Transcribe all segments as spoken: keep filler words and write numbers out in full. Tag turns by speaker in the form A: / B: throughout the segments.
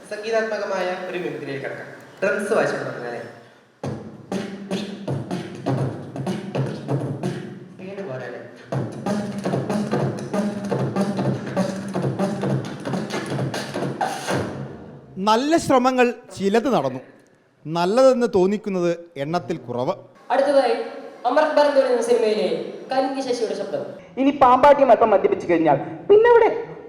A: സംഗീതാത്മകമായ ഒരു മിമിക്രിയിലേക്ക് കടക്കാം. ഡ്രംസ് വായിച്ചു തുടങ്ങാനേ.
B: നല്ല ശ്രമങ്ങൾ ചിലത് നടന്നു. നല്ലതെന്ന് തോന്നിക്കുന്നത് എണ്ണത്തിൽ കുറവ്.
C: അടുത്തതായി അമൃത് ബർദ് എന്ന സിനിമയിലെ കന്നി ശശിയുടെ ശബ്ദം.
D: ഇനി പാമ്പാട്ടി മൊത്തം മദ്യപിച്ചു കഴിഞ്ഞാൽ പിന്നെ ഇവിടെ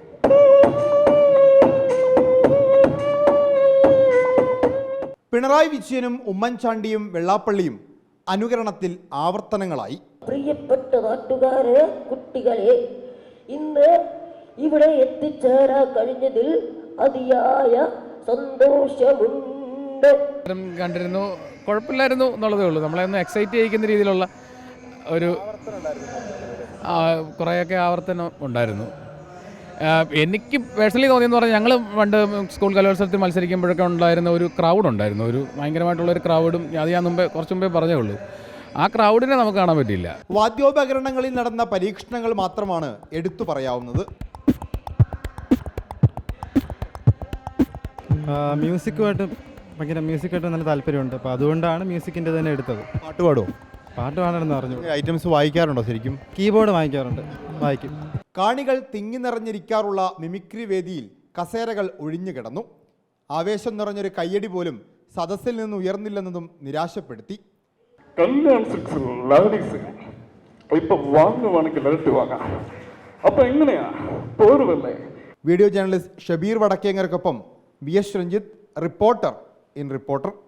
B: പിണറായി വിജയനും ഉമ്മൻചാണ്ടിയും വെള്ളാപ്പള്ളിയും അനുകരണത്തിൽ ആവർത്തനങ്ങളായി.
E: പ്രിയപ്പെട്ട നാട്ടുകാരെ, കുട്ടികളെ, ഇന്ന് ഇവിടെ എത്തിച്ചേരാൻ കഴിഞ്ഞതിൽ അതിയായ സന്തോഷമുണ്ട്.
F: കണ്ടിരുന്നു, കുഴപ്പമില്ലായിരുന്നു എന്നുള്ളതേ ഉള്ളൂ. നമ്മളെ ഒന്ന് എക്സൈറ്റ് ചെയ്യിക്കുന്ന രീതിയിലുള്ള ഒരു കുറേയൊക്കെ ആവർത്തനം ഉണ്ടായിരുന്നു. എനിക്ക് പേഴ്സണലി തോന്നിയെന്ന് പറഞ്ഞാൽ ഞങ്ങൾ പണ്ട് സ്കൂൾ കലോത്സവത്തിൽ മത്സരിക്കുമ്പോഴൊക്കെ ഉണ്ടായിരുന്ന ഒരു ക്രൗഡ് ഉണ്ടായിരുന്നു, ഒരു ഭയങ്കരമായിട്ടുള്ളൊരു ക്രൗഡും. അത് ഞാൻ മുമ്പേ കുറച്ച് മുമ്പേ പറഞ്ഞേ ഉള്ളൂ. ആ ക്രൗഡിനെ നമുക്ക് കാണാൻ പറ്റില്ല.
B: വാദ്യോപകരണങ്ങളിൽ നടന്ന പരീക്ഷണങ്ങൾ മാത്രമാണ് എടുത്തു പറയാവുന്നത്.
G: മ്യൂസിക്കുമായിട്ട് ഭയങ്കര മ്യൂസിക്കായിട്ട് നല്ല താല്പര്യമുണ്ട്. അപ്പോൾ അതുകൊണ്ടാണ് മ്യൂസിക്കിൻ്റെ തന്നെ എടുത്തത്.
B: പാട്ട് പാടുമോ?
G: പാട്ട് പാടണമെന്ന് പറഞ്ഞു.
B: ഐറ്റംസ് വായിക്കാറുണ്ടോ? ശരിക്കും
G: കീബോർഡ് വായിക്കാറുണ്ട്, വായിക്കും.
B: കാണികൾ തിങ്ങി നിറഞ്ഞിരിക്കാറുള്ള മിമിക്രി വേദിയിൽ കസേരകൾ ഒഴിഞ്ഞു കിടന്നു. ആവേശം നിറഞ്ഞൊരു കയ്യടി പോലും സദസ്സിൽ നിന്ന് ഉയർന്നില്ലെന്നതും നിരാശപ്പെടുത്തി.
H: കല്യാൺ സിക്സിൽ ലേഡീസ് ഇപ്പൊ വാങ്ങുവാണെങ്കിൽ ഇരട്ടി വാങ്ങാം. അപ്പൊ എങ്ങനെയാ പോരുവല്ലേ?
B: വീഡിയോ ജേർണലിസ്റ്റ് ഷബീർ വടക്കേങ്ങർക്കൊപ്പം V S Ranjith, reporter in reporter.